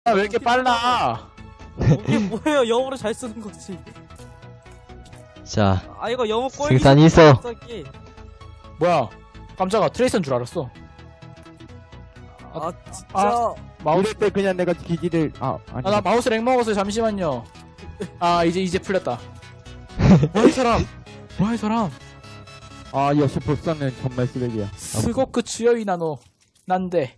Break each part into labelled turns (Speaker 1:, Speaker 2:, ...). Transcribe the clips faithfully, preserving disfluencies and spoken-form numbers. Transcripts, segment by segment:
Speaker 1: 아, 왜 이렇게 빨라?
Speaker 2: 이게 뭐예요? 영어로 잘 쓰는 거지.
Speaker 3: 자,
Speaker 2: 아 이거 영어 꼴.
Speaker 3: 승산이 있어.
Speaker 2: 갑자기.
Speaker 1: 뭐야? 깜짝아, 트레이서인 줄 알았어.
Speaker 2: 아 진짜.
Speaker 1: 아, 마우스.
Speaker 4: 이럴 때 그냥 내가 기기를 아 아니
Speaker 1: 아, 나 마우스 렉 먹었어요. 잠시만요. 아, 이제 이제 풀렸다. 뭐야 이 사람? 뭐야 이 사람?
Speaker 4: 아 역시 보스는 정말 쓰레기야.
Speaker 1: 스고크 츠요이 나노 난데.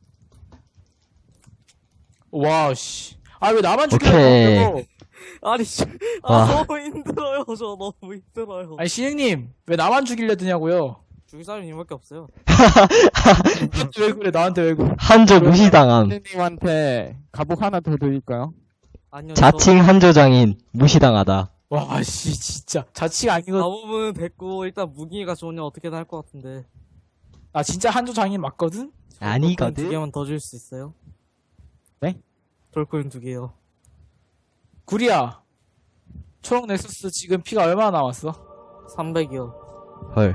Speaker 1: 와 씨. 아 왜 나만
Speaker 3: 오케이.
Speaker 1: 죽이려고?
Speaker 2: 아니 씨.
Speaker 3: 와.
Speaker 2: 아 너무 힘들어요. 저 너무 힘들어요.
Speaker 1: 아니 신영님 왜 나만 죽이려 드냐고요?
Speaker 2: 죽일 사람이 님밖에 없어요.
Speaker 1: 나한테 왜 그래? 나한테 왜 그래?
Speaker 3: 한조 무시당함.
Speaker 4: 선생님한테 갑옷 하나 더 드릴까요?
Speaker 2: 아니요.
Speaker 3: 자칭 한조장인 무시당하다.
Speaker 1: 와 씨 진짜 자치가 아니고.
Speaker 2: 가보면 됐고 일단 무기가 좋으냐 어떻게든 할 것 같은데.
Speaker 1: 아 진짜 한조 장인 맞거든?
Speaker 2: 두
Speaker 3: 아니거든.
Speaker 2: 개만 더 줄 수 있어요?
Speaker 4: 네?
Speaker 2: 돌코인 두 개요.
Speaker 1: 구리야. 초록 넥서스 지금 피가 얼마나 남았어?
Speaker 2: 삼백이요.
Speaker 3: 헐.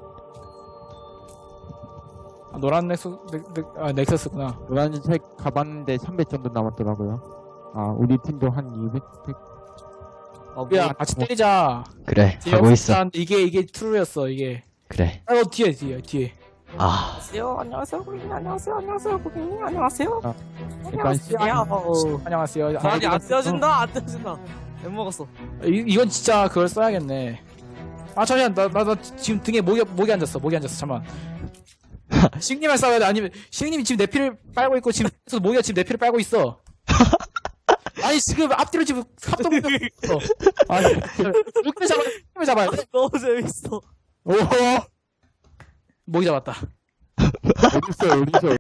Speaker 1: 아, 노란 넥서 넥, 넥, 아, 넥서스구나.
Speaker 4: 노란색 가봤는데 삼백 정도 남았더라고요. 아 우리 팀도 한 이백.
Speaker 2: 아 뭐.
Speaker 1: 야 같이 때리자.
Speaker 3: 그래,
Speaker 1: 뒤에
Speaker 3: 하고 있어.
Speaker 1: 없었는데 이게 이게 트루였어 이게.
Speaker 3: 그래.
Speaker 1: 아, 어 뒤에 뒤에 뒤에.
Speaker 3: 아,
Speaker 2: 안녕하세요. 안녕하세요. 고객님 안녕하세요. 안녕하세요. 고객님 안녕하세요.
Speaker 4: 아, 약간 시...
Speaker 2: 안녕하세요.
Speaker 1: 안녕하세요.
Speaker 2: 아니
Speaker 1: 아,
Speaker 2: 안 떼어진다. 안 떼어진다. 못 먹었어.
Speaker 1: 이, 이건 진짜 그걸 써야겠네. 아 잠시만 나 나 나 지금 등에 목이 목이 앉았어 목이 앉았어 잠만. 시님을 싸워야 돼 아니면 시님이 지금 내 피를 빨고 있고 지금 그래서 모기가 지금 내 피를 빨고 있어. 아니 지금 앞뒤로 지금 합동력 있어. 아니 이렇게 잡아 이렇게 잡아야 돼.
Speaker 2: 너무 재밌어.
Speaker 4: 오
Speaker 1: 모기 잡았다.
Speaker 4: 어딨어요 어딨어.